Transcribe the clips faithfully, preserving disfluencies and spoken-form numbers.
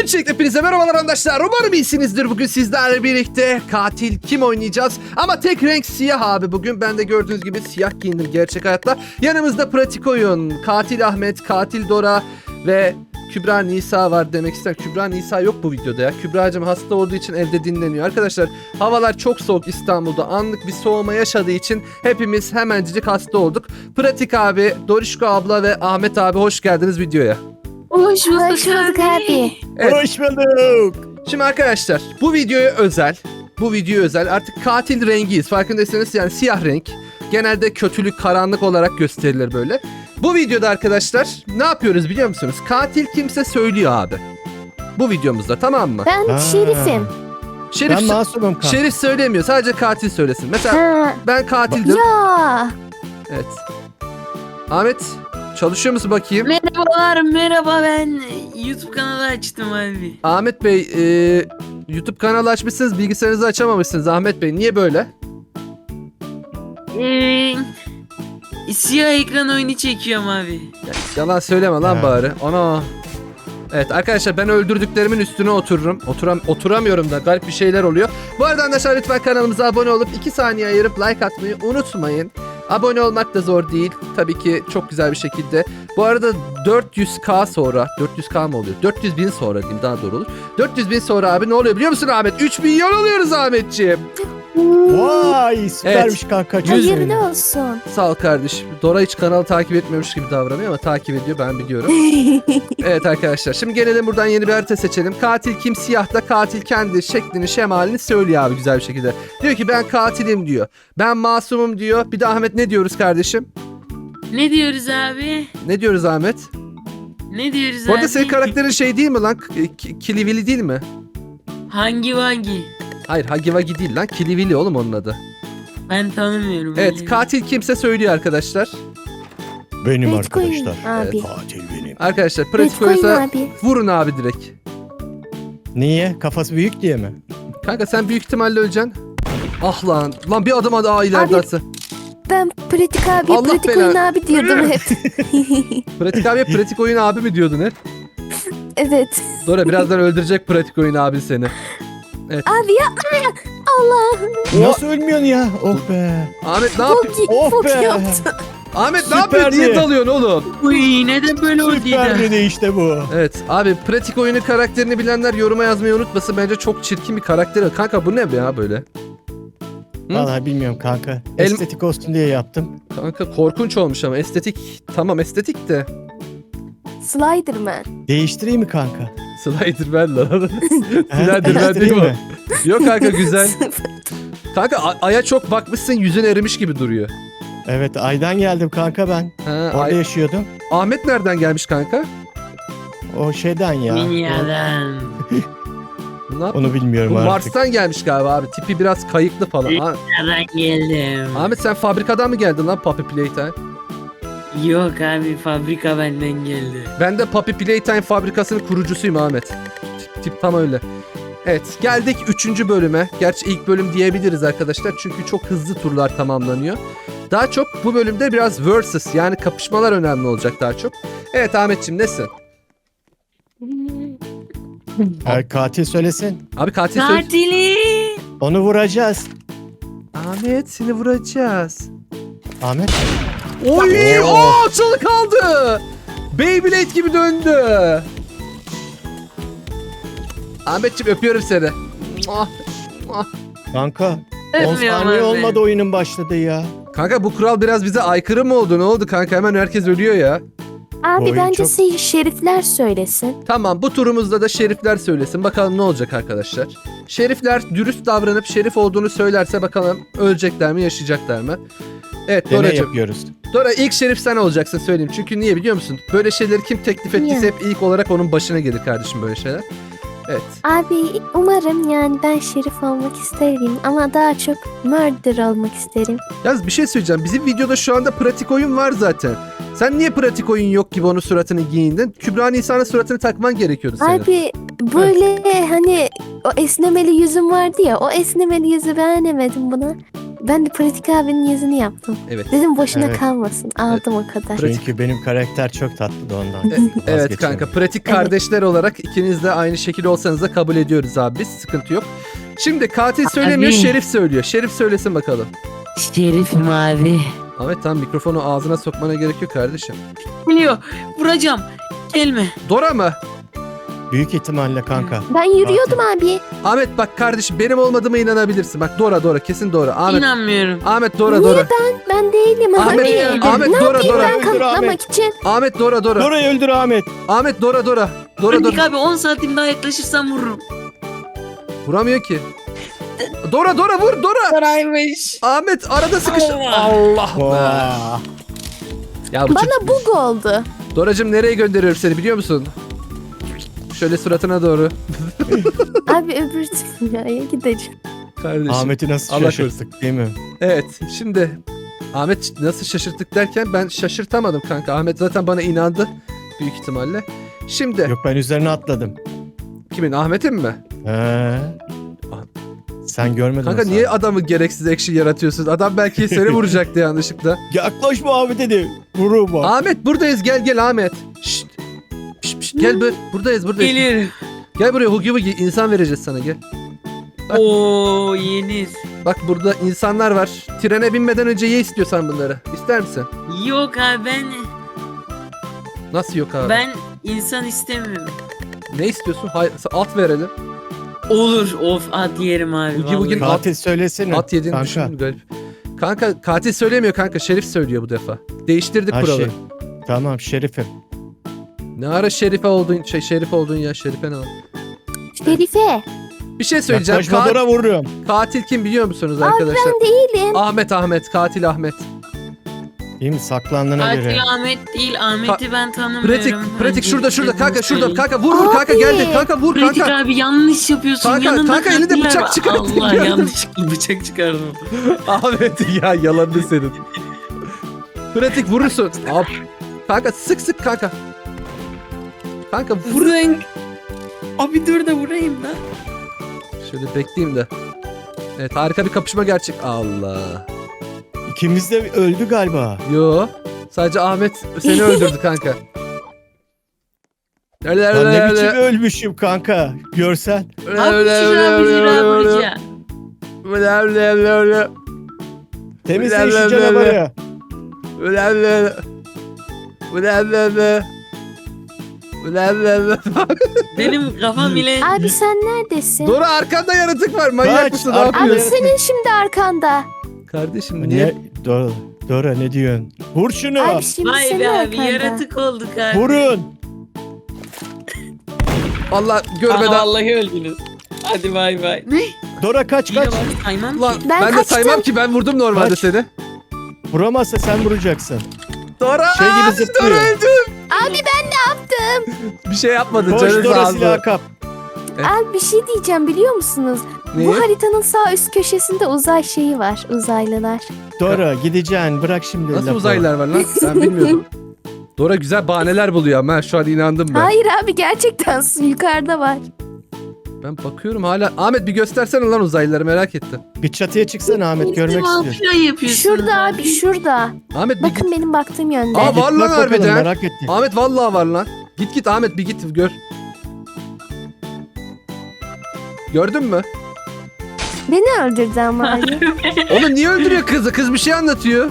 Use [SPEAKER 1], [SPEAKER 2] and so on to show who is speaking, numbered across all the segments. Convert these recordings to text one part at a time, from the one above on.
[SPEAKER 1] Öncelikle hepinize merhabalar arkadaşlar. Umarım iyisinizdir. Bugün sizlerle birlikte katil kim oynayacağız? Ama tek renk siyah abi bugün. Ben de gördüğünüz gibi siyah giyindim gerçek hayatta. Yanımızda pratik oyun, katil Ahmet, katil Dora ve Kübra Nisa var demek istedim. Kübra Nisa yok bu videoda ya. Kübra'cığım hasta olduğu için evde dinleniyor. Arkadaşlar havalar çok soğuk İstanbul'da. Anlık bir soğuma yaşadığı için hepimiz hemencik hasta olduk. Pratik abi, Dorişko abla ve Ahmet abi hoş geldiniz videoya.
[SPEAKER 2] Hoş bulduk,
[SPEAKER 3] Hoş bulduk abi.
[SPEAKER 1] Evet.
[SPEAKER 4] Hoş bulduk.
[SPEAKER 1] Şimdi arkadaşlar bu videoya özel. Bu video özel. Artık katil rengiyiz. Farkındaysanız yani siyah renk. Genelde kötülük, karanlık olarak gösterilir böyle. Bu videoda arkadaşlar ne yapıyoruz biliyor musunuz? Katil kimse söylüyor abi. Bu videomuzda, tamam mı?
[SPEAKER 3] Ben
[SPEAKER 4] Ha.
[SPEAKER 3] şerifim.
[SPEAKER 1] Şerif,
[SPEAKER 4] Ben masumum kanka.
[SPEAKER 1] Şerif söylemiyor. Sadece katil söylesin. Mesela
[SPEAKER 3] Ha.
[SPEAKER 1] ben katildim.
[SPEAKER 3] Ya.
[SPEAKER 1] Evet. Ahmet çalışıyor musun bakayım?
[SPEAKER 2] Merhabalar, merhaba, ben YouTube kanalı açtım abi.
[SPEAKER 1] Ahmet Bey e, YouTube kanalı açmışsınız, bilgisayarınızı açamamışsınız Ahmet Bey. Niye böyle?
[SPEAKER 2] Ee, siyah ekran oyunu çekiyorum abi.
[SPEAKER 1] Ya, yalan söyleme lan
[SPEAKER 4] Ha.
[SPEAKER 1] bari. Ana. Evet arkadaşlar ben öldürdüklerimin üstüne otururum. Oturam oturamıyorum da garip bir şeyler oluyor. Bu arada arkadaşlar lütfen kanalımıza abone olup iki saniye ayırıp like atmayı unutmayın. Abone olmak da zor değil. Tabii ki çok güzel bir şekilde. Bu arada dört yüz K sonra, dört yüz K mı oluyor? dört yüz bin sonra diyeyim daha doğru olur. dört yüz bin sonra abi ne oluyor biliyor musun Ahmet? üç milyon oluyoruz Ahmetciğim.
[SPEAKER 4] Vay süpermiş kanka. Çok
[SPEAKER 3] Hayırlı
[SPEAKER 4] sevindim.
[SPEAKER 3] olsun.
[SPEAKER 1] Sağ ol kardeşim. Dora hiç kanalı takip etmiyormuş gibi davranıyor ama takip ediyor, ben biliyorum. Evet arkadaşlar şimdi gelelim buradan yeni bir harita seçelim. Katil kim? Siyahta katil kendi şeklini, şemalini söylüyor abi güzel bir şekilde. Diyor ki ben katilim diyor. Ben masumum diyor. Bir de Ahmet ne diyoruz kardeşim?
[SPEAKER 2] Ne diyoruz abi?
[SPEAKER 1] Ne diyoruz Ahmet?
[SPEAKER 2] Ne diyoruz
[SPEAKER 1] Bu arada
[SPEAKER 2] abi?
[SPEAKER 1] senin karakterin şey değil mi lan? K- K- Kilivili değil mi?
[SPEAKER 2] Hangi vangi?
[SPEAKER 1] Hayır Hagivagi değil lan. Kilivili oğlum onun adı.
[SPEAKER 2] Ben tanımıyorum.
[SPEAKER 1] Evet
[SPEAKER 2] öyle.
[SPEAKER 1] katil kimse söylüyor arkadaşlar.
[SPEAKER 4] Benim
[SPEAKER 3] Pratik oyun
[SPEAKER 4] arkadaşlar.
[SPEAKER 3] abi.
[SPEAKER 4] Katil benim.
[SPEAKER 1] Arkadaşlar pratik
[SPEAKER 3] Pratik oyun
[SPEAKER 1] oysa
[SPEAKER 3] abi.
[SPEAKER 1] vurun abi direkt.
[SPEAKER 4] Niye? Kafası büyük diye mi?
[SPEAKER 1] Kanka sen büyük ihtimalle öleceksin. Ah lan. Lan bir adım daha ileride
[SPEAKER 3] Abi-
[SPEAKER 1] atsa.
[SPEAKER 3] Ben pratik abi,
[SPEAKER 1] Allah
[SPEAKER 3] pratik
[SPEAKER 1] belanı-
[SPEAKER 3] oyun abi diyordum hep.
[SPEAKER 1] Pratik abiye pratik oyun abi mi diyordun hep?
[SPEAKER 3] Evet.
[SPEAKER 1] Dora birazdan öldürecek pratik oyun abi seni.
[SPEAKER 3] Abi ya. Allah.
[SPEAKER 4] Nasıl ölmüyorsun ya? Oh be.
[SPEAKER 1] Ahmet ne
[SPEAKER 3] Çok
[SPEAKER 1] yapıyorsun?
[SPEAKER 3] iyi.
[SPEAKER 4] Oh
[SPEAKER 3] Çok
[SPEAKER 4] be.
[SPEAKER 3] yaptı.
[SPEAKER 1] Ahmet ne
[SPEAKER 4] Süperdi.
[SPEAKER 1] yapıyorsun? Niye dalıyorsun oğlum?
[SPEAKER 2] Uy, neden böyle oldu
[SPEAKER 4] Süper
[SPEAKER 2] ya?
[SPEAKER 4] dedi işte bu.
[SPEAKER 1] Evet abi pratik oyunu karakterini bilenler yoruma yazmayı unutmasın. Bence çok çirkin bir karakter. Kanka bu ne ya böyle? Hı?
[SPEAKER 4] Vallahi bilmiyorum kanka.
[SPEAKER 1] El-
[SPEAKER 4] Estetik olsun diye yaptım.
[SPEAKER 1] Kanka korkunç olmuş ama estetik. Tamam estetik de.
[SPEAKER 3] Sliderman.
[SPEAKER 4] Değiştireyim mi kanka?
[SPEAKER 1] Sliderman lan.
[SPEAKER 4] He,
[SPEAKER 1] Sliderman değil
[SPEAKER 4] değiştireyim
[SPEAKER 1] mi?
[SPEAKER 4] mi?
[SPEAKER 1] Yok kanka güzel. Kanka a- aya çok bakmışsın yüzün erimiş gibi duruyor.
[SPEAKER 4] Evet aydan geldim kanka ben.
[SPEAKER 1] Ha,
[SPEAKER 4] Orada
[SPEAKER 1] ay-
[SPEAKER 4] yaşıyordum.
[SPEAKER 1] Ahmet nereden gelmiş kanka?
[SPEAKER 4] O şeyden ya.
[SPEAKER 2] Dünyadan.
[SPEAKER 1] Ne yap-
[SPEAKER 4] Onu bilmiyorum
[SPEAKER 1] Bu
[SPEAKER 4] artık.
[SPEAKER 1] Mars'tan gelmiş galiba abi. Tipi biraz kayıklı falan. Ha-
[SPEAKER 2] Dünyadan geldim.
[SPEAKER 1] Ahmet sen fabrikadan mı geldin lan Puppy Playtime?
[SPEAKER 2] Yok abi, fabrika benden geldi.
[SPEAKER 1] Ben de Puppy Playtime fabrikasının kurucusuyum Ahmet. Tip, tip tam öyle. Evet geldik üçüncü bölüme. Gerçi ilk bölüm diyebiliriz arkadaşlar. Çünkü çok hızlı turlar tamamlanıyor. Daha çok bu bölümde biraz versus yani kapışmalar önemli olacak daha çok. Evet Ahmetciğim nesin?
[SPEAKER 4] Ha, katil söylesin.
[SPEAKER 1] Abi katil söyle.
[SPEAKER 2] Katili.
[SPEAKER 4] Onu vuracağız.
[SPEAKER 1] Ahmet seni vuracağız.
[SPEAKER 4] Ahmet.
[SPEAKER 1] Oy!
[SPEAKER 4] Oo.
[SPEAKER 1] Oo, çalı kaldı. Beyblade gibi döndü. Ahmetciğim öpüyorum seni. Muah, muah.
[SPEAKER 4] Kanka. on
[SPEAKER 2] Öpmüyorum
[SPEAKER 4] saniye
[SPEAKER 2] abi.
[SPEAKER 4] olmadı oyunun başladı ya.
[SPEAKER 1] Kanka bu kural biraz bize aykırı mı oldu? Ne oldu kanka? Hemen herkes ölüyor ya.
[SPEAKER 3] Abi
[SPEAKER 4] oyun
[SPEAKER 3] bence
[SPEAKER 4] çok-
[SPEAKER 3] siz şerifler söylesin.
[SPEAKER 1] Tamam bu turumuzda da şerifler söylesin. Bakalım ne olacak arkadaşlar. Şerifler dürüst davranıp şerif olduğunu söylerse bakalım ölecekler mi yaşayacaklar mı? Evet
[SPEAKER 4] Deney
[SPEAKER 1] Doracığım.
[SPEAKER 4] yapıyoruz.
[SPEAKER 1] Dora ilk şerif sen olacaksın söyleyeyim. Çünkü niye biliyor musun? Böyle şeyleri kim teklif ettiyse
[SPEAKER 3] Niye?
[SPEAKER 1] hep ilk olarak onun başına gelir kardeşim böyle şeyler. Evet.
[SPEAKER 3] Abi umarım yani ben şerif olmak isterim ama daha çok murder olmak isterim.
[SPEAKER 1] Yalnız bir şey söyleyeceğim. Bizim videoda şu anda pratik oyun var zaten. Sen niye pratik oyun yok gibi onun suratını giyindin? Kübra Nisa'nın suratını takman gerekiyordu senin.
[SPEAKER 3] Abi böyle hani o esnemeli yüzüm vardı ya, o esnemeli yüzü beğenemedim buna. Ben de Pratik abinin yüzünü yaptım.
[SPEAKER 1] Evet.
[SPEAKER 3] Dedim boşuna
[SPEAKER 4] Evet.
[SPEAKER 3] kalmasın. Aldım o kadar.
[SPEAKER 1] Pratik.
[SPEAKER 4] Çünkü benim karakter çok tatlı da ondan.
[SPEAKER 1] E- evet
[SPEAKER 4] Vazgeçemem.
[SPEAKER 1] kanka, pratik
[SPEAKER 3] Evet.
[SPEAKER 1] kardeşler olarak ikiniz de aynı şekil olsanız da kabul ediyoruz abi biz. Sıkıntı yok. Şimdi katil söylemiyor,
[SPEAKER 2] Abi.
[SPEAKER 1] Şerif söylüyor. Şerif söylesin bakalım.
[SPEAKER 2] Şerif mavi.
[SPEAKER 1] Ahmet tamam, mikrofonu ağzına sokmana gerek yok kardeşim.
[SPEAKER 2] Geliyor. Vuracağım. Gelme.
[SPEAKER 1] Dora mı?
[SPEAKER 4] Büyük ihtimalle kanka.
[SPEAKER 3] Ben yürüyordum abi.
[SPEAKER 1] Ahmet bak kardeşim, benim olmadığıma inanabilirsin. Bak Dora Dora, kesin Dora. Ahmet
[SPEAKER 2] İnanmıyorum.
[SPEAKER 1] Ahmet Dora
[SPEAKER 3] Niye
[SPEAKER 1] Dora.
[SPEAKER 3] Ben değilim
[SPEAKER 1] Ahmet,
[SPEAKER 3] abi.
[SPEAKER 1] Ahmet
[SPEAKER 3] ne
[SPEAKER 1] Dora
[SPEAKER 3] yapayım
[SPEAKER 1] Dora.
[SPEAKER 3] ben
[SPEAKER 4] Öldür
[SPEAKER 3] kanıtlamak
[SPEAKER 4] Ahmet.
[SPEAKER 3] için?
[SPEAKER 1] Ahmet Dora Dora.
[SPEAKER 4] Dora'yı öldür Ahmet.
[SPEAKER 1] Ahmet Dora Dora. Dora
[SPEAKER 2] Pratik
[SPEAKER 1] Dora.
[SPEAKER 2] abi on santim daha yaklaşırsam vururum.
[SPEAKER 1] Vuramıyor ki. Dora Dora vur Dora.
[SPEAKER 2] Saraymış.
[SPEAKER 1] Ahmet arada sıkıştı.
[SPEAKER 2] Allah.
[SPEAKER 1] Allah be.
[SPEAKER 4] Vaa.
[SPEAKER 1] Ya bu çocuk-
[SPEAKER 3] Bana bug oldu.
[SPEAKER 1] Doracığım nereye gönderiyorum seni biliyor musun? Şöyle suratına doğru.
[SPEAKER 3] Abi öbür dünyaya gideceğim.
[SPEAKER 1] Kardeşim.
[SPEAKER 4] Ahmet'i nasıl
[SPEAKER 1] Allah
[SPEAKER 4] şaşırttık değil mi?
[SPEAKER 1] Evet şimdi Ahmet nasıl şaşırttık derken ben şaşırtamadım kanka. Ahmet zaten bana inandı büyük ihtimalle. Şimdi
[SPEAKER 4] Yok, ben üzerine atladım.
[SPEAKER 1] kimin, Ahmet'in mi?
[SPEAKER 4] He. Sen görmedin
[SPEAKER 1] Kanka
[SPEAKER 4] o
[SPEAKER 1] niye
[SPEAKER 4] sahneyi.
[SPEAKER 1] adamı gereksiz action yaratıyorsun? Adam belki seni vuracaktı yanlışlıkla.
[SPEAKER 4] Yaklaşma abi dedi. Vurur bak.
[SPEAKER 1] Ahmet buradayız, gel gel Ahmet. Şşt. Şşt, şşt, gel bur buradayız buradayız.
[SPEAKER 2] Geliyorum.
[SPEAKER 1] Gel buraya, Hugi Hugi insan vereceğiz sana, gel. Bak.
[SPEAKER 2] Oo yeniz.
[SPEAKER 1] Bak burada insanlar var. Trene binmeden önce ye istiyorsan bunları. İster misin?
[SPEAKER 2] Yok abi ben
[SPEAKER 1] Nasıl yok abi?
[SPEAKER 2] ben insan istemiyorum.
[SPEAKER 1] Ne istiyorsun? Hayır, at verelim.
[SPEAKER 2] Olur. Of at yerim abi.
[SPEAKER 1] Bugün-
[SPEAKER 2] vallahi.
[SPEAKER 1] bugün-
[SPEAKER 4] Katil söylesene.
[SPEAKER 1] At yediğini
[SPEAKER 4] kanka.
[SPEAKER 1] düşündüm garip. Kanka katil söylemiyor kanka. Şerif söylüyor bu defa. Değiştirdik
[SPEAKER 4] Ha,
[SPEAKER 1] kuralı.
[SPEAKER 4] şey. Tamam Şerif'im.
[SPEAKER 1] Ne ara Şerife oldun, şey Şerif oldun ya, Şerife ne oldu?
[SPEAKER 3] Şerife.
[SPEAKER 1] Bir şey söyleyeceğim.
[SPEAKER 4] Yaklaşma
[SPEAKER 1] Ka-
[SPEAKER 4] Dora vururum.
[SPEAKER 1] katil kim biliyor musunuz
[SPEAKER 3] Abi
[SPEAKER 1] arkadaşlar?
[SPEAKER 3] ben değilim.
[SPEAKER 1] Ahmet Ahmet, katil Ahmet.
[SPEAKER 4] Değil mi? Saklandığına göre.
[SPEAKER 2] Katil Ahmet değil. Ahmet'i ben tanımıyorum.
[SPEAKER 1] Pratik, pratik şurada şurada kanka,
[SPEAKER 2] Öncelikle
[SPEAKER 1] şurada
[SPEAKER 2] bunu
[SPEAKER 1] kanka, vur vur
[SPEAKER 3] Abi.
[SPEAKER 1] kanka, geldi kanka, vur
[SPEAKER 2] Pratik
[SPEAKER 1] kanka.
[SPEAKER 2] abi yanlış yapıyorsun.
[SPEAKER 1] Kanka,
[SPEAKER 2] Yanında
[SPEAKER 1] kanka elinde
[SPEAKER 2] katiller
[SPEAKER 1] bıçak
[SPEAKER 2] var.
[SPEAKER 1] çıkarttı,
[SPEAKER 2] Allah
[SPEAKER 1] gördüm.
[SPEAKER 2] yanlışlıkla bıçak çıkardım.
[SPEAKER 1] Ahmet ya, yalandı senin. Pratik vurursun. Abi. Kanka sık sık kanka. Kanka vur.
[SPEAKER 2] Vurun. Abi dur da vurayım da.
[SPEAKER 1] Şöyle bekleyeyim de. Evet, harika bir kapışma gerçek. Allah.
[SPEAKER 4] İkimiz de öldü galiba.
[SPEAKER 1] Yo. Sadece Ahmet seni öldürdü kanka. Öyle
[SPEAKER 4] Ben ne
[SPEAKER 1] öyle
[SPEAKER 4] biçim
[SPEAKER 1] öyle.
[SPEAKER 4] ölmüşüm kanka. Görsen.
[SPEAKER 1] Öyle
[SPEAKER 2] Abi
[SPEAKER 1] öyle
[SPEAKER 2] şuraya
[SPEAKER 1] öyle
[SPEAKER 2] bir
[SPEAKER 1] öyle
[SPEAKER 2] zira
[SPEAKER 1] öyle.
[SPEAKER 2] vuracağım.
[SPEAKER 1] Öyle öyle öyle öyle.
[SPEAKER 4] Temizle
[SPEAKER 1] Öyle,
[SPEAKER 4] şu
[SPEAKER 1] öyle,
[SPEAKER 4] canavarı.
[SPEAKER 1] Öyle öyle öyle. Öyle öyle öyle. Öyle öyle öyle.
[SPEAKER 2] Benim kafam bile...
[SPEAKER 3] Abi sen neredesin?
[SPEAKER 1] Dora arkanda yaratık var. Manyak
[SPEAKER 4] Kaç,
[SPEAKER 1] mısın? Ne
[SPEAKER 4] arkada
[SPEAKER 3] Abi
[SPEAKER 1] yapıyorsun?
[SPEAKER 3] senin şimdi arkanda.
[SPEAKER 1] Kardeşim niye?
[SPEAKER 4] Ne? Dora, Dora ne diyorsun? Vur şunu.
[SPEAKER 3] Abi şimdi
[SPEAKER 2] Vay
[SPEAKER 3] senin
[SPEAKER 2] be abi
[SPEAKER 3] arkanda.
[SPEAKER 2] yaratık olduk abi.
[SPEAKER 4] Vurun.
[SPEAKER 1] Allah
[SPEAKER 2] Aha,
[SPEAKER 1] görmeden.
[SPEAKER 2] vallahi öldünüz. Hadi bay bay. Ne?
[SPEAKER 4] Dora kaç
[SPEAKER 2] Yine
[SPEAKER 4] kaç.
[SPEAKER 2] bak saymam
[SPEAKER 1] Lan
[SPEAKER 2] ki.
[SPEAKER 1] ben,
[SPEAKER 3] Ben
[SPEAKER 1] de
[SPEAKER 3] kaçtım.
[SPEAKER 1] saymam ki, ben vurdum normalde
[SPEAKER 4] Kaç.
[SPEAKER 1] seni.
[SPEAKER 4] Vuramazsa sen vuracaksın.
[SPEAKER 1] Dora.
[SPEAKER 4] Şey gibi
[SPEAKER 1] Aa,
[SPEAKER 4] zıplıyor.
[SPEAKER 1] Dora öldüm.
[SPEAKER 3] Abi ben ne yaptım?
[SPEAKER 1] Bir şey yapmadı.
[SPEAKER 4] Koş
[SPEAKER 1] Canı
[SPEAKER 4] Dora
[SPEAKER 1] sağ
[SPEAKER 4] silahı kap.
[SPEAKER 3] Abi bir şey diyeceğim biliyor musunuz?
[SPEAKER 1] Neyi?
[SPEAKER 3] Bu haritanın sağ üst köşesinde uzay şeyi var. Uzaylılar.
[SPEAKER 4] Dora gideceksin. Bırak şimdi
[SPEAKER 1] Nasıl
[SPEAKER 4] lafı.
[SPEAKER 1] uzaylılar var lan? Ben bilmiyordum. Dora güzel bahaneler buluyor ama ha, şu an inandım ben.
[SPEAKER 3] Hayır abi gerçekten su yukarıda var.
[SPEAKER 1] Ben bakıyorum hala. Ahmet bir göstersene lan uzaylıları, merak ettim.
[SPEAKER 4] Bir çatıya çıksana Ahmet, görmek istiyorum.
[SPEAKER 2] Falan yapıyorsunuz
[SPEAKER 3] Şurada abi şurada.
[SPEAKER 1] Ahmet bir
[SPEAKER 3] Bakın benim baktığım yönde.
[SPEAKER 1] Aa,
[SPEAKER 4] Git
[SPEAKER 1] var lan
[SPEAKER 4] bak bakalım,
[SPEAKER 1] harbiden.
[SPEAKER 4] merak ettim.
[SPEAKER 1] Ahmet vallahi var lan. Git git Ahmet, bir git gör. Gördün mü?
[SPEAKER 3] Beni öldürdü ama abi.
[SPEAKER 1] Onu niye öldürüyor kızı? Kız bir şey anlatıyor.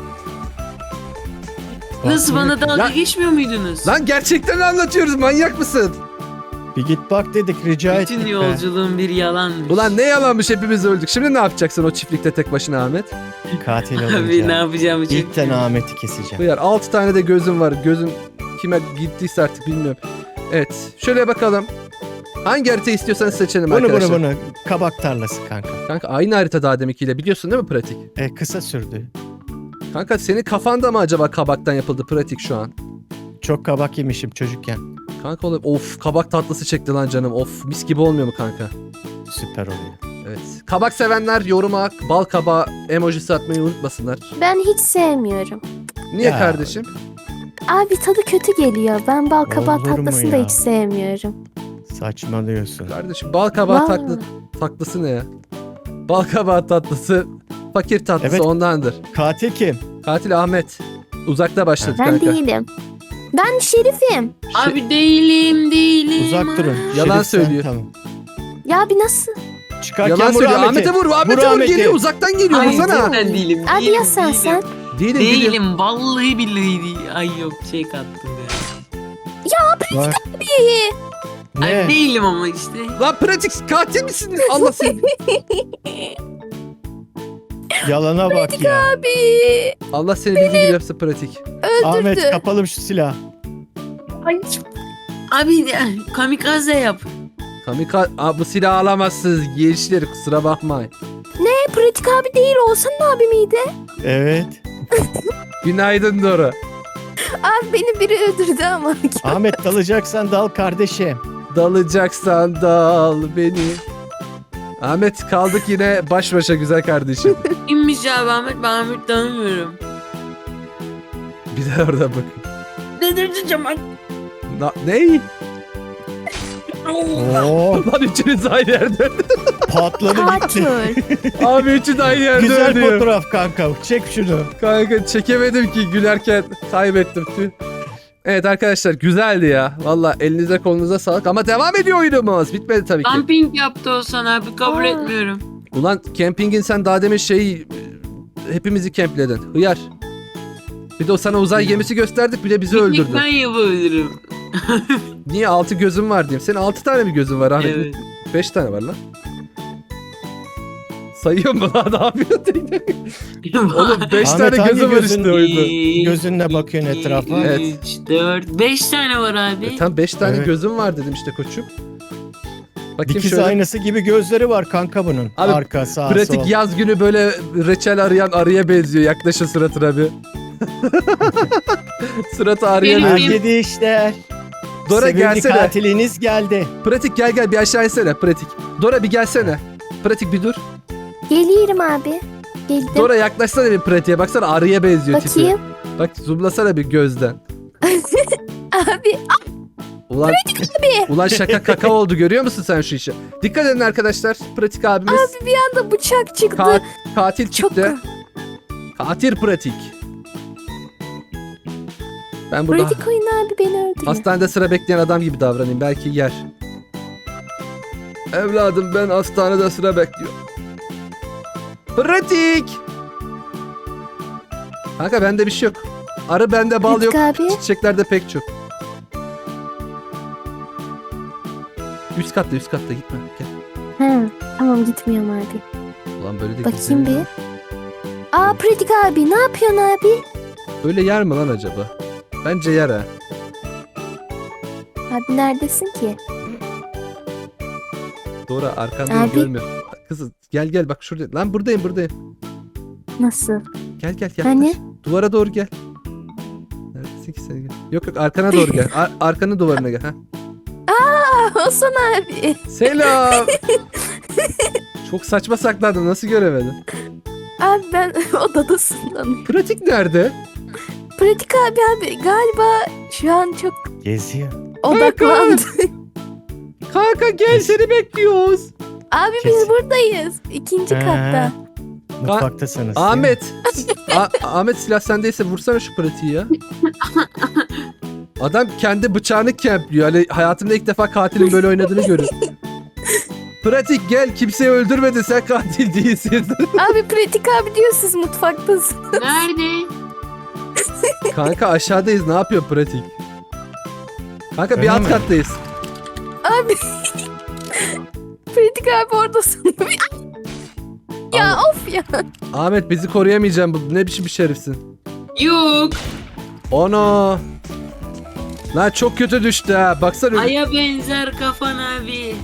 [SPEAKER 2] Nasıl bana dalga
[SPEAKER 1] Lan-
[SPEAKER 2] geçmiyor muydunuz?
[SPEAKER 1] Lan gerçekten anlatıyoruz, manyak mısın?
[SPEAKER 4] Bir git bak dedik, rica ettik
[SPEAKER 2] Bütün
[SPEAKER 4] be.
[SPEAKER 2] yolculuğum bir yalanmış.
[SPEAKER 1] Ulan ne yalanmış, hepimiz öldük. Şimdi ne yapacaksın o çiftlikte tek başına Ahmet?
[SPEAKER 4] Katil
[SPEAKER 2] Abi ne
[SPEAKER 4] olunca.
[SPEAKER 2] yapacağımı çok
[SPEAKER 4] İlkten Ahmet'i keseceğim.
[SPEAKER 1] Buyur, altı tane de gözüm var. Gözüm kime gittiyse artık bilmiyorum. Evet, şöyle bakalım. Hangi harita istiyorsanız seçelim
[SPEAKER 4] Bunu
[SPEAKER 1] arkadaşlar.
[SPEAKER 4] bunu bunu. Kabak tarlası kanka.
[SPEAKER 1] Kanka aynı harita daha deminkiyle, biliyorsun değil mi pratik?
[SPEAKER 4] E, kısa sürdü.
[SPEAKER 1] Kanka senin kafanda mı acaba kabaktan yapıldı pratik şu an?
[SPEAKER 4] Çok kabak yemişim çocukken.
[SPEAKER 1] Kanka oğlum, of kabak tatlısı çekti lan canım. Of mis gibi olmuyor mu kanka?
[SPEAKER 4] Süper oluyor.
[SPEAKER 1] Evet. Kabak sevenler yoruma bal kabağı emojisi atmayı unutmasınlar.
[SPEAKER 3] Ben hiç sevmiyorum.
[SPEAKER 1] Niye
[SPEAKER 4] Ya.
[SPEAKER 1] kardeşim?
[SPEAKER 3] Abi tadı kötü geliyor. Ben bal kabağı
[SPEAKER 4] Olur mu
[SPEAKER 3] tatlısını da
[SPEAKER 4] ya?
[SPEAKER 3] hiç sevmiyorum.
[SPEAKER 4] Saçmalıyorsun.
[SPEAKER 1] Kardeşim bal kabağı
[SPEAKER 3] Vallahi.
[SPEAKER 1] tatlı, tatlısı ne ya? Bal kabağı tatlısı Fakir tatlısı
[SPEAKER 4] Evet.
[SPEAKER 1] ondandır.
[SPEAKER 4] Katil kim?
[SPEAKER 1] Katil Ahmet. Uzakta başladı
[SPEAKER 3] Ben
[SPEAKER 1] kanka.
[SPEAKER 3] değilim. Ben şerifim.
[SPEAKER 2] Abi değilim değilim.
[SPEAKER 4] Uzak durun.
[SPEAKER 1] Yalan
[SPEAKER 4] Şerif sen,
[SPEAKER 1] söylüyor.
[SPEAKER 4] Tamam.
[SPEAKER 3] Ya bir nasıl?
[SPEAKER 4] Çıkarken
[SPEAKER 1] Yalan
[SPEAKER 4] vur
[SPEAKER 1] söylüyor.
[SPEAKER 4] Ahmet'i.
[SPEAKER 1] Ahmet'e vur. Ahmet'e
[SPEAKER 4] Vur
[SPEAKER 1] vur.
[SPEAKER 4] Ahmet'i.
[SPEAKER 1] Geliyor. Uzaktan geliyor.
[SPEAKER 2] Ay
[SPEAKER 1] Vursana.
[SPEAKER 2] cidden değilim.
[SPEAKER 3] Abi
[SPEAKER 2] değilim,
[SPEAKER 3] ya sen
[SPEAKER 2] değilim.
[SPEAKER 3] sen.
[SPEAKER 1] Değilim. Değilim.
[SPEAKER 2] Değilim vallahi billahi değil. Ay yok şey kattım ya.
[SPEAKER 4] Bak.
[SPEAKER 3] İyi.
[SPEAKER 4] Ne?
[SPEAKER 2] Ay değilim ama işte.
[SPEAKER 1] Lan pratik katil misin? Allah seni.
[SPEAKER 4] Yalana bak ya.
[SPEAKER 3] Abi.
[SPEAKER 1] Allah seni bildiği gibi yapsın pratik.
[SPEAKER 4] Ahmet kapalım şu silahı.
[SPEAKER 3] Ay.
[SPEAKER 2] Abi ya, kamikaze yap.
[SPEAKER 1] Kamika Aa, bu silahı alamazsınız gençler, kusura bakmayın.
[SPEAKER 3] E, pratik abi değil Oğuzhan abi miydi?
[SPEAKER 4] Evet.
[SPEAKER 1] Günaydın Dora.
[SPEAKER 3] Abi beni biri öldürdü ama.
[SPEAKER 4] Ahmet dalacaksan dal kardeşim.
[SPEAKER 1] Dalacaksan dal beni. Ahmet kaldık yine baş başa güzel kardeşim.
[SPEAKER 2] Kimmiş abi Ahmet? Ben Ahmet tanımıyorum.
[SPEAKER 1] Bir de orada bak.
[SPEAKER 2] Dedirteceğim bak.
[SPEAKER 1] Na, ney?
[SPEAKER 4] Oo,
[SPEAKER 1] Lan üçünüz aynı yerde.
[SPEAKER 4] patladı gitti.
[SPEAKER 3] Katil.
[SPEAKER 1] Abi üçü de aynı yerde
[SPEAKER 4] Güzel
[SPEAKER 1] ölüyor.
[SPEAKER 4] fotoğraf kanka. Çek şunu.
[SPEAKER 1] Kanka çekemedim ki gülerken kaybettim. Tüh. Evet arkadaşlar güzeldi ya. Valla elinize kolunuza sağlık ama devam ediyor oyunumuz. Bitmedi tabii ki.
[SPEAKER 2] Camping yaptı Oğuzhan abi kabul
[SPEAKER 3] Aa.
[SPEAKER 2] etmiyorum.
[SPEAKER 1] Ulan campingin sen daha demin şey hepimizi kempledin. Hıyar. Bir de o sana uzay gemisi gösterdik, bir de bizi
[SPEAKER 2] Piknik
[SPEAKER 1] öldürdün.
[SPEAKER 2] ben yapabilirim.
[SPEAKER 1] Niye altı gözün var diyeyim. Senin altı tane mi gözün var Ahmet?
[SPEAKER 2] Evet.
[SPEAKER 1] Beş tane var lan. Sayıyor mu lan? Ne yapıyorsun? Oğlum beş
[SPEAKER 4] Ahmet,
[SPEAKER 1] tane
[SPEAKER 4] hangi
[SPEAKER 1] gözü var
[SPEAKER 4] gözün-
[SPEAKER 1] işte oyunda.
[SPEAKER 4] Gözünle bakıyorsun etrafa.
[SPEAKER 1] Evet.
[SPEAKER 2] üç, dört, beş tane var abi.
[SPEAKER 1] E, tam beş tane
[SPEAKER 4] Evet.
[SPEAKER 1] gözüm var dedim işte koçum. Bakayım
[SPEAKER 4] Dikiz
[SPEAKER 1] şöyle.
[SPEAKER 4] aynası gibi gözleri var kanka bunun.
[SPEAKER 1] Abi,
[SPEAKER 4] Arka, sağ,
[SPEAKER 1] Pratik
[SPEAKER 4] sol.
[SPEAKER 1] yaz günü böyle reçel arayan arıya benziyor. Yaklaşın suratına bir. Suratı arıya
[SPEAKER 2] Benim-
[SPEAKER 1] benziyor.
[SPEAKER 4] Herkese işler.
[SPEAKER 1] Dora
[SPEAKER 4] Sevimli
[SPEAKER 1] gelsene.
[SPEAKER 4] katiliniz geldi.
[SPEAKER 1] Pratik gel gel bir aşağı insene pratik. Dora bir gelsene. Pratik bir dur.
[SPEAKER 3] Geliyorum abi. Geldim.
[SPEAKER 1] Dora yaklaşsana bir pratiğe. Baksana arıya benziyor tipi.
[SPEAKER 3] Bakayım.
[SPEAKER 1] Bak zoomlasana bir gözden.
[SPEAKER 3] Abi
[SPEAKER 1] Ulan, ulan şaka kaka oldu, görüyor musun sen şu işi? Dikkat edin arkadaşlar. Pratik abimiz
[SPEAKER 3] abi bir anda bıçak çıktı.
[SPEAKER 1] ka- katil
[SPEAKER 3] Çok
[SPEAKER 1] çıktı. Katil pratik. Ben burada
[SPEAKER 3] pratik oyun abi beni öldürüyor.
[SPEAKER 1] hastanede sıra bekleyen adam gibi davranayım. Belki yer. Evladım ben hastanede sıra bekliyorum. Pratik. Kanka bende bir şey yok. Arı bende, bal yok.
[SPEAKER 3] Pratik abi.
[SPEAKER 1] Çiçeklerde pek çok. Üst katta üst katta gitme. Gel.
[SPEAKER 3] Ha, tamam gitmiyorum abi.
[SPEAKER 1] Ulan böyle de
[SPEAKER 3] Bakayım
[SPEAKER 1] gizlenir
[SPEAKER 3] bir.
[SPEAKER 1] mi?
[SPEAKER 3] Aa pratik abi ne yapıyorsun abi?
[SPEAKER 1] Öyle yer mi lan acaba? Bence yer ha.
[SPEAKER 3] Abi neredesin ki?
[SPEAKER 1] Doğru arkandayım,
[SPEAKER 3] Abi.
[SPEAKER 1] görmüyorum. Kızım gel gel bak şurada. Lan buradayım buradayım.
[SPEAKER 3] Nasıl?
[SPEAKER 1] Gel gel yaklaş.
[SPEAKER 3] Hani?
[SPEAKER 1] Duvara doğru gel. Neredesin ki sen? Gel. Yok yok arkana doğru gel. Ar- arkanın duvarına gel. Ha.
[SPEAKER 3] Aa Hasan abi.
[SPEAKER 1] Selam. Çok saçma sakladın. Nasıl göremedin?
[SPEAKER 3] Abi ben odadasın sanıyorum.
[SPEAKER 1] Pratik nerede?
[SPEAKER 3] Pratik abi abi galiba şu an çok
[SPEAKER 4] Geziyor.
[SPEAKER 3] odaklandı.
[SPEAKER 1] Kanka gel seni bekliyoruz.
[SPEAKER 3] abi
[SPEAKER 4] Kes.
[SPEAKER 3] biz buradayız. İkinci
[SPEAKER 4] He.
[SPEAKER 3] katta.
[SPEAKER 4] Mutfaktasınız. değil mi?
[SPEAKER 1] Ahmet. A- Ahmet silah sendeyse vursana şu pratiği ya. Adam kendi bıçağını kempliyor. Hani hayatımda ilk defa katilin böyle oynadığını görüyorum. Pratik gel, kimseyi öldürmedin, sen katil değilsin.
[SPEAKER 3] Abi pratik abi diyor siz mutfaktasın.
[SPEAKER 2] Nerede?
[SPEAKER 1] Kanka aşağıdayız, ne yapıyor pratik? Kanka bir
[SPEAKER 4] Öyle
[SPEAKER 1] alt
[SPEAKER 4] mi?
[SPEAKER 1] kattayız.
[SPEAKER 3] Abi. pratik abi oradasın. ya of ya.
[SPEAKER 1] Ahmet bizi koruyamayacağım, bu ne biçim bir şerifsin.
[SPEAKER 2] Yok.
[SPEAKER 1] Ono. Lan çok kötü düştü ha, baksana.
[SPEAKER 2] Aya benzer kafan abi.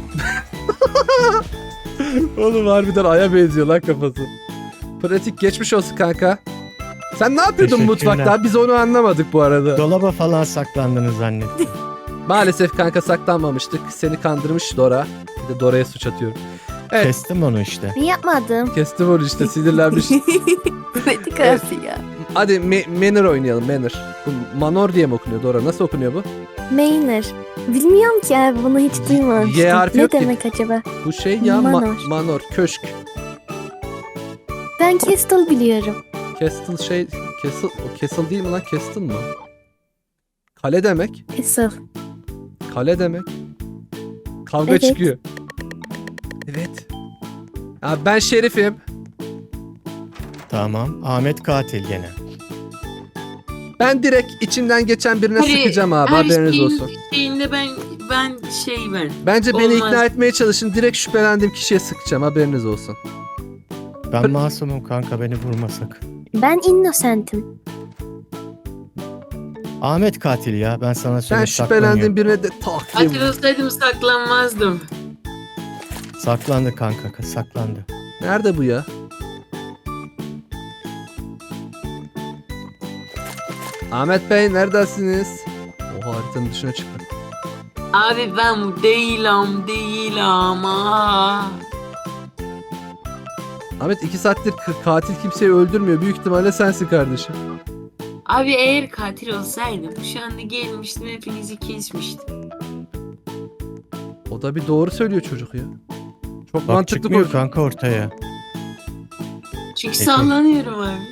[SPEAKER 1] Oğlum harbiden aya benziyor lan kafası. Pratik geçmiş olsun kanka. Sen ne yapıyordun
[SPEAKER 4] Teşekkürler.
[SPEAKER 1] mutfakta? Biz onu anlamadık bu arada.
[SPEAKER 4] Dolaba falan saklandınız zannettim.
[SPEAKER 1] Maalesef kanka saklanmamıştık. Seni kandırmış Dora. Bir de Dora'ya suç atıyorum. Evet.
[SPEAKER 4] Kestim onu işte.
[SPEAKER 3] Ben yapmadım.
[SPEAKER 1] Kestim onu işte, sinirlenmiş.
[SPEAKER 3] pratik
[SPEAKER 1] Evet.
[SPEAKER 3] abi ya.
[SPEAKER 1] Hadi Me- Manor oynayalım, Manor. Bu Manor diye mi okunuyor Dora? Nasıl okunuyor bu?
[SPEAKER 3] Maynard. Bilmiyorum ki abi bunu hiç duymamıştım.
[SPEAKER 1] Y harfi
[SPEAKER 3] ne
[SPEAKER 1] yok ki.
[SPEAKER 3] demek acaba?
[SPEAKER 1] Bu şey ya Ma-
[SPEAKER 3] Manor.
[SPEAKER 1] Manor, köşk.
[SPEAKER 3] Ben Ben Castle biliyorum.
[SPEAKER 1] Castle şey... Castle, o Castle değil mi lan? Castle mı? Kale demek.
[SPEAKER 3] Castle.
[SPEAKER 1] Kale demek. Kavga
[SPEAKER 3] Evet.
[SPEAKER 1] çıkıyor. Evet. Abi ben şerifim.
[SPEAKER 4] Tamam. Ahmet katil gene.
[SPEAKER 1] Ben direkt içinden geçen birine
[SPEAKER 2] Hadi,
[SPEAKER 1] sıkacağım abi,
[SPEAKER 2] her
[SPEAKER 1] haberiniz
[SPEAKER 2] şeyin
[SPEAKER 1] olsun.
[SPEAKER 2] Şeyinde ben ben şey ben.
[SPEAKER 1] Bence beni
[SPEAKER 2] Olmaz.
[SPEAKER 1] ikna etmeye çalışın. Direkt şüphelendiğim kişiye sıkacağım, haberiniz olsun.
[SPEAKER 4] Ben masumum kanka, beni vurmasak.
[SPEAKER 3] Ben Innocent'im.
[SPEAKER 4] Ahmet katil ya. Ben sana
[SPEAKER 1] Ben
[SPEAKER 4] söyleyeyim.
[SPEAKER 1] şüphelendiğim birine de tak diye
[SPEAKER 2] Katil
[SPEAKER 1] vurayım.
[SPEAKER 2] olsaydım saklanmazdım.
[SPEAKER 4] Saklandı kanka. Saklandı.
[SPEAKER 1] Nerede bu ya? Ahmet Bey neredesiniz? Oha, haritanın dışına çıktı.
[SPEAKER 2] Abi ben bu değilim değilim. Aa.
[SPEAKER 1] Ahmet iki saattir k- katil kimseyi öldürmüyor. Büyük ihtimalle sensin kardeşim.
[SPEAKER 2] Abi eğer katil olsaydım şu anda gelmiştim, hepinizi kesmiştim.
[SPEAKER 1] O da bir doğru söylüyor çocuk ya. Çok
[SPEAKER 4] Bak
[SPEAKER 1] mantıklı
[SPEAKER 4] çıkmıyor
[SPEAKER 1] konuşuyor.
[SPEAKER 4] kanka ortaya.
[SPEAKER 2] Çünkü
[SPEAKER 4] Peki.
[SPEAKER 2] sallanıyorum abi.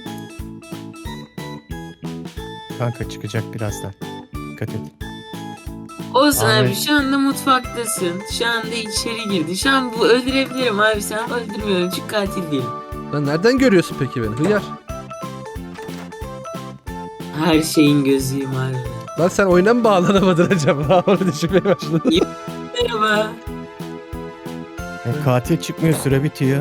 [SPEAKER 4] Kanka çıkacak birazdan. Dikkat et.
[SPEAKER 2] Olsun abi,
[SPEAKER 4] Ahmet.
[SPEAKER 2] şu anda mutfaktasın. Şu anda içeri girdi. Şu an bu öldürebilirim abi, sen öldürmüyorum çünkü katil değilim.
[SPEAKER 1] Lan nereden görüyorsun peki beni? Hıyar.
[SPEAKER 2] Her şeyin gözüyüm abi.
[SPEAKER 1] Lan sen oyuna mı bağlanamadın acaba? Onu düşünmeye başladım.
[SPEAKER 2] Merhaba.
[SPEAKER 4] Ya katil çıkmıyor, süre bitiyor.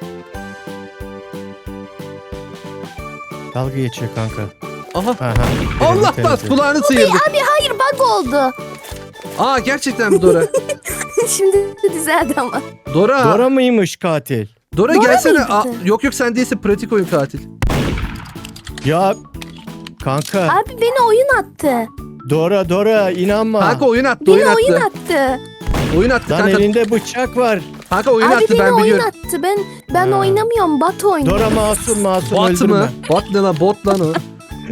[SPEAKER 4] Dalga geçiyor kanka.
[SPEAKER 1] Aha.
[SPEAKER 4] Aha,
[SPEAKER 1] Allah
[SPEAKER 4] birini
[SPEAKER 1] bas,
[SPEAKER 4] temizledim.
[SPEAKER 1] kulağını sıyırdık.
[SPEAKER 3] Hayır, bug oldu.
[SPEAKER 1] Aa, gerçekten mi Dora?
[SPEAKER 3] Şimdi düzeldi ama.
[SPEAKER 1] Dora.
[SPEAKER 4] Dora mıymış katil?
[SPEAKER 1] Dora,
[SPEAKER 3] Dora
[SPEAKER 1] gelsene.
[SPEAKER 3] mıydı?
[SPEAKER 1] Aa, yok yok, sen değilsin, pratik oyun katil.
[SPEAKER 4] Ya kanka,
[SPEAKER 3] Abi beni oyun attı.
[SPEAKER 4] Dora Dora inanma.
[SPEAKER 1] Kanka oyun attı,
[SPEAKER 3] Beni
[SPEAKER 1] oyun attı.
[SPEAKER 3] oyun attı.
[SPEAKER 1] Oyun attı
[SPEAKER 4] Lan
[SPEAKER 1] kanka.
[SPEAKER 4] elinde bıçak var.
[SPEAKER 1] Kanka oyun
[SPEAKER 3] Abi
[SPEAKER 1] attı,
[SPEAKER 3] beni
[SPEAKER 1] ben
[SPEAKER 3] oyun
[SPEAKER 1] biliyorum.
[SPEAKER 3] attı. Ben ben
[SPEAKER 4] Ha.
[SPEAKER 3] oynamıyorum. Bat oynuyor.
[SPEAKER 4] Dora masum masum
[SPEAKER 1] Bot
[SPEAKER 4] öldürme.
[SPEAKER 1] mu? Bot ne lan? Bot lan o.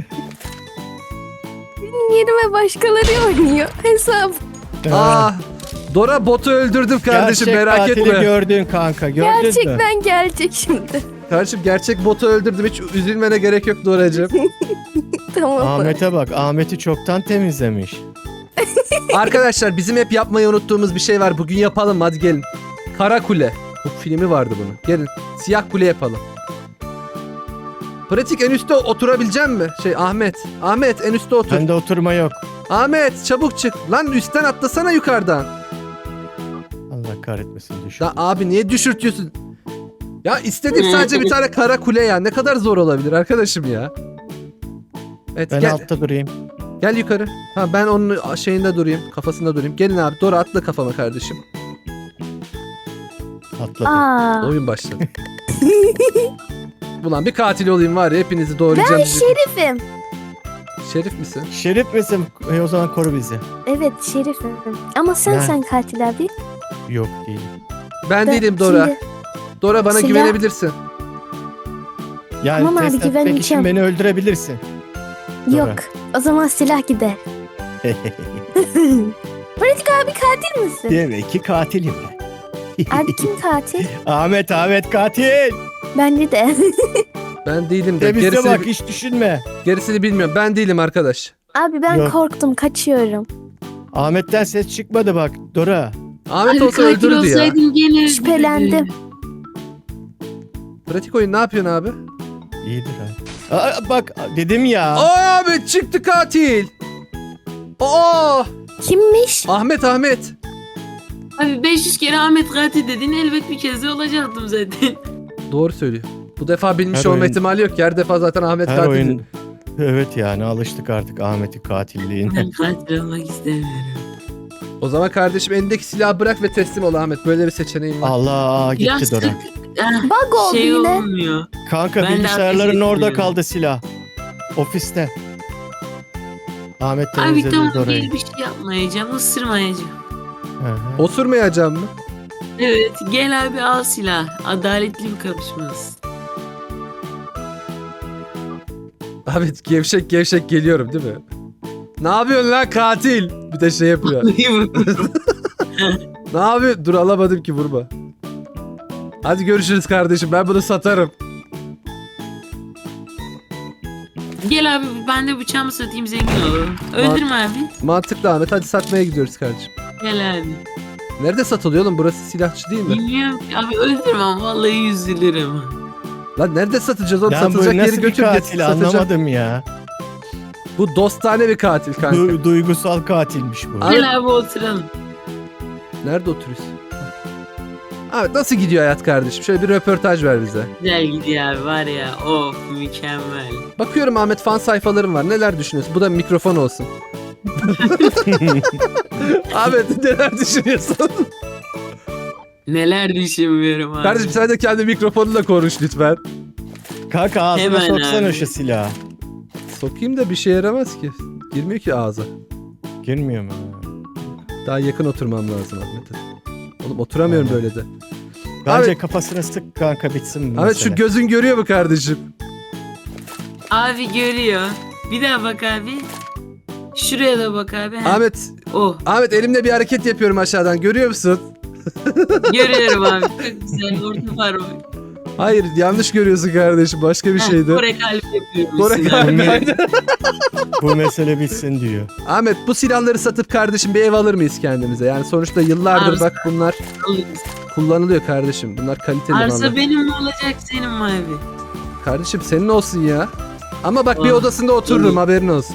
[SPEAKER 3] Yerime başkaları oynuyor. Hesap.
[SPEAKER 1] Aa, Dora botu öldürdüm kardeşim,
[SPEAKER 4] Gerçek
[SPEAKER 1] merak
[SPEAKER 4] katili
[SPEAKER 1] etme.
[SPEAKER 4] gördün kanka, gördün mü?
[SPEAKER 3] Gerçekten gelecek şimdi.
[SPEAKER 1] Kardeşim gerçek botu öldürdüm, hiç üzülmene gerek yok Doracığım.
[SPEAKER 3] Tamam.
[SPEAKER 4] Ahmet'e bak, Ahmet'i çoktan temizlemiş.
[SPEAKER 1] Arkadaşlar bizim hep yapmayı unuttuğumuz bir şey var, bugün yapalım, hadi gelin. Kara Kule. Bu filmi vardı bunun. Gelin siyah kule yapalım. Pratik, en üstte oturabilecek mi? Şey Ahmet. Ahmet en üstte otur.
[SPEAKER 4] Bende oturma yok.
[SPEAKER 1] Ahmet çabuk çık. Lan üstten atlasana yukarıdan.
[SPEAKER 4] Allah kahretmesin, düşün.
[SPEAKER 1] Ya abi niye düşürtüyorsun? Ya istediğim sadece bir tane kara kule ya. Ne kadar zor olabilir arkadaşım ya. Evet,
[SPEAKER 4] Ben
[SPEAKER 1] gel,
[SPEAKER 4] altta durayım.
[SPEAKER 1] gel yukarı. Ha, ben onun şeyinde durayım. Kafasında durayım. Gelin abi, Dora atla kafama kardeşim.
[SPEAKER 4] Atladım.
[SPEAKER 3] Aa.
[SPEAKER 1] Oyun başladı. Ulan bir katil olayım var ya, hepinizi doğrayacağım.
[SPEAKER 3] Ben
[SPEAKER 1] sizi.
[SPEAKER 3] şerifim.
[SPEAKER 1] Şerif misin?
[SPEAKER 4] Şerif misin? E, o zaman koru bizi.
[SPEAKER 3] Evet şerifim. Ama sen
[SPEAKER 4] Ne?
[SPEAKER 3] sen katil abi.
[SPEAKER 4] Yok değil.
[SPEAKER 1] Ben
[SPEAKER 3] Da-
[SPEAKER 1] değilim Dora.
[SPEAKER 3] Şimdi,
[SPEAKER 1] Dora bana
[SPEAKER 3] Silah-
[SPEAKER 1] güvenebilirsin.
[SPEAKER 4] Yani
[SPEAKER 3] Tamam abi,
[SPEAKER 4] test etmek
[SPEAKER 3] güveneceğim.
[SPEAKER 4] için beni öldürebilirsin. Dora.
[SPEAKER 3] yok. O zaman silah gider. Pratik abi katil misin?
[SPEAKER 4] Demek ki katilim ben.
[SPEAKER 3] Abi kim katil?
[SPEAKER 4] Ahmet Ahmet katil.
[SPEAKER 3] Bence de.
[SPEAKER 1] Ben değilim de.
[SPEAKER 4] Temizle
[SPEAKER 1] Gerisini,
[SPEAKER 4] bak, hiç düşünme.
[SPEAKER 1] gerisini bilmiyorum. Ben değilim arkadaş.
[SPEAKER 3] Abi ben
[SPEAKER 4] Yok.
[SPEAKER 3] korktum, kaçıyorum.
[SPEAKER 4] Ahmet'ten ses çıkmadı bak Dora.
[SPEAKER 1] Ahmet
[SPEAKER 2] Abi
[SPEAKER 1] olsa
[SPEAKER 2] katil
[SPEAKER 1] öldürdü ya.
[SPEAKER 2] olsaydım gene öldürürdüm.
[SPEAKER 3] Şüphelendim.
[SPEAKER 1] Pratik oyun ne yapıyorsun abi?
[SPEAKER 4] İyidir ha. Aa, bak dedim ya.
[SPEAKER 1] Aa, abi çıktı katil. Aa,
[SPEAKER 3] Kimmiş?
[SPEAKER 1] Ahmet Ahmet.
[SPEAKER 2] Abi beş yüz kere Ahmet katil dedin, elbet bir kez de olacaktım zaten.
[SPEAKER 1] Doğru söylüyor. Bu defa bilmiş
[SPEAKER 4] Her
[SPEAKER 1] olma
[SPEAKER 4] oyun-
[SPEAKER 1] ihtimali yok. Her defa zaten Ahmet
[SPEAKER 4] Her
[SPEAKER 1] katil.
[SPEAKER 4] oyun. Evet yani alıştık artık Ahmet'in katilliğine.
[SPEAKER 2] Ben katil olmak istemiyorum.
[SPEAKER 1] O zaman kardeşim elindeki silahı bırak ve teslim ol Ahmet. Böyle bir seçeneğin var.
[SPEAKER 4] Allah gitti
[SPEAKER 2] Silah
[SPEAKER 4] Dora.
[SPEAKER 2] sık. Ah,
[SPEAKER 3] Bug oldu
[SPEAKER 2] şey
[SPEAKER 3] yine.
[SPEAKER 2] olmuyor.
[SPEAKER 4] Kanka
[SPEAKER 2] Ben de
[SPEAKER 4] bilgisayarların
[SPEAKER 2] ateş
[SPEAKER 4] orada
[SPEAKER 2] etmiyorum.
[SPEAKER 4] kaldı silah. Ofiste. Ahmet
[SPEAKER 2] Abi
[SPEAKER 4] temizledi
[SPEAKER 2] tamam,
[SPEAKER 4] Dora'yı.
[SPEAKER 2] gel bir şey yapmayacağım, ısırmayacağım.
[SPEAKER 4] Hı hı.
[SPEAKER 1] Osurmayacağım mı?
[SPEAKER 2] Evet, gel abi al silah. Adaletli bir kapışmamız.
[SPEAKER 1] Ahmet gevşek gevşek geliyorum değil mi? Ne yapıyorsun lan katil? Bir de şey yapıyor. Ne yapıyor? Dur, alamadım ki, vurma. Hadi görüşürüz kardeşim. Ben bunu satarım.
[SPEAKER 2] Gel abi ben de bıçağımı satayım zengin olalım. Öldürme abi.
[SPEAKER 1] Mantıklı Ahmet, hadi satmaya gidiyoruz kardeşim.
[SPEAKER 2] Gel abi.
[SPEAKER 1] Nerede satılıyor oğlum, burası silahçı değil mi?
[SPEAKER 2] Bilmiyorum ki abi öldürmem vallahi üzülürüm.
[SPEAKER 1] Lan nerede satacağız oğlum,
[SPEAKER 4] Lan
[SPEAKER 1] satılacak
[SPEAKER 4] bu
[SPEAKER 1] yeri
[SPEAKER 4] nasıl bir
[SPEAKER 1] götür getir
[SPEAKER 4] katil
[SPEAKER 1] satacağım.
[SPEAKER 4] anlamadım ya.
[SPEAKER 1] Bu dostane bir katil kanka.
[SPEAKER 4] Du- duygusal katilmiş bu.
[SPEAKER 1] Abi-
[SPEAKER 2] Gel abi oturalım.
[SPEAKER 1] Nerede oturuyorsun? Ahmet nasıl gidiyor hayat kardeşim? Şöyle bir röportaj ver bize.
[SPEAKER 2] Güzel gidiyor abi var ya of mükemmel.
[SPEAKER 1] Bakıyorum Ahmet, fan sayfalarım var. Neler düşünüyorsun? Bu da mikrofon olsun. Ahmet neler düşünüyorsun?
[SPEAKER 2] Neler düşünmüyorum abi.
[SPEAKER 1] Kardeşim sen de kendi mikrofonunla konuş lütfen.
[SPEAKER 4] Kanka ağzına
[SPEAKER 2] Hemen
[SPEAKER 4] soksana
[SPEAKER 2] abi.
[SPEAKER 4] şu silahı.
[SPEAKER 1] Sokayım da bir şey yaramaz ki. Girmiyor ki ağza.
[SPEAKER 4] Girmiyor mu?
[SPEAKER 1] Daha yakın oturmam lazım Ahmet'e. Oğlum oturamıyorum
[SPEAKER 4] Aynen.
[SPEAKER 1] böyle de.
[SPEAKER 4] Bence
[SPEAKER 1] Ahmet-
[SPEAKER 4] kafasına sık kanka bitsin bu
[SPEAKER 1] Ahmet şu
[SPEAKER 4] mesele.
[SPEAKER 1] gözün görüyor mu kardeşim?
[SPEAKER 2] Abi görüyor. Bir daha bak abi. Şuraya da bak abi. Ha.
[SPEAKER 1] Ahmet,
[SPEAKER 2] Oh
[SPEAKER 1] Ahmet elimle bir hareket yapıyorum aşağıdan. Görüyor musun?
[SPEAKER 2] görüyorum abi. Çok güzel orta parmak.
[SPEAKER 1] Hayır, yanlış görüyorsun kardeşim. Başka bir
[SPEAKER 2] Ha,
[SPEAKER 1] şeydi.
[SPEAKER 2] Kore kalbi yapıyorum.
[SPEAKER 1] Kore
[SPEAKER 2] size
[SPEAKER 1] kalbi,
[SPEAKER 2] abi.
[SPEAKER 1] aynen.
[SPEAKER 4] Bu mesele bitsin diyor.
[SPEAKER 1] Ahmet bu silahları satıp kardeşim bir ev alır mıyız kendimize? Yani sonuçta yıllardır
[SPEAKER 2] Abi-
[SPEAKER 1] bak bunlar
[SPEAKER 2] Alırız.
[SPEAKER 1] kullanılıyor kardeşim. Bunlar kaliteli
[SPEAKER 2] Arsa
[SPEAKER 1] mallar.
[SPEAKER 2] benim mi olacak senin mi abi?
[SPEAKER 1] Kardeşim senin olsun ya. Ama bak bir
[SPEAKER 2] Ah,
[SPEAKER 1] odasında otururum,
[SPEAKER 2] olur.
[SPEAKER 1] haberin olsun.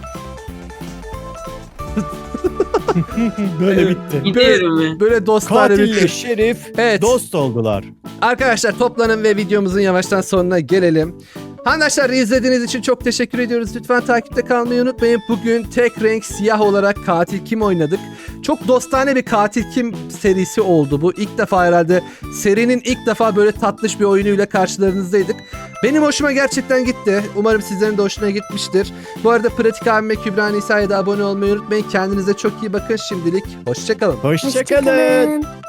[SPEAKER 4] Böyle bitti.
[SPEAKER 2] Gidiyorum ben.
[SPEAKER 1] Böyle dostlar
[SPEAKER 4] Katille Şerif
[SPEAKER 1] Evet.
[SPEAKER 4] dost oldular.
[SPEAKER 1] Arkadaşlar toplanın ve videomuzun yavaştan sonuna gelelim. Arkadaşlar izlediğiniz için çok teşekkür ediyoruz. Lütfen takipte kalmayı unutmayın. Bugün tek renk siyah olarak katil kim oynadık. Çok dostane bir katil kim serisi oldu bu. İlk defa herhalde serinin ilk defa böyle tatlış bir oyunuyla karşılarınızdaydık. Benim hoşuma gerçekten gitti. Umarım sizlerin de hoşuna gitmiştir. Bu arada Pratik abime Kübra Nisa'ya da abone olmayı unutmayın. Kendinize çok iyi bakın şimdilik. Hoşçakalın.
[SPEAKER 4] Hoşçakalın.
[SPEAKER 3] Hoşçakalın.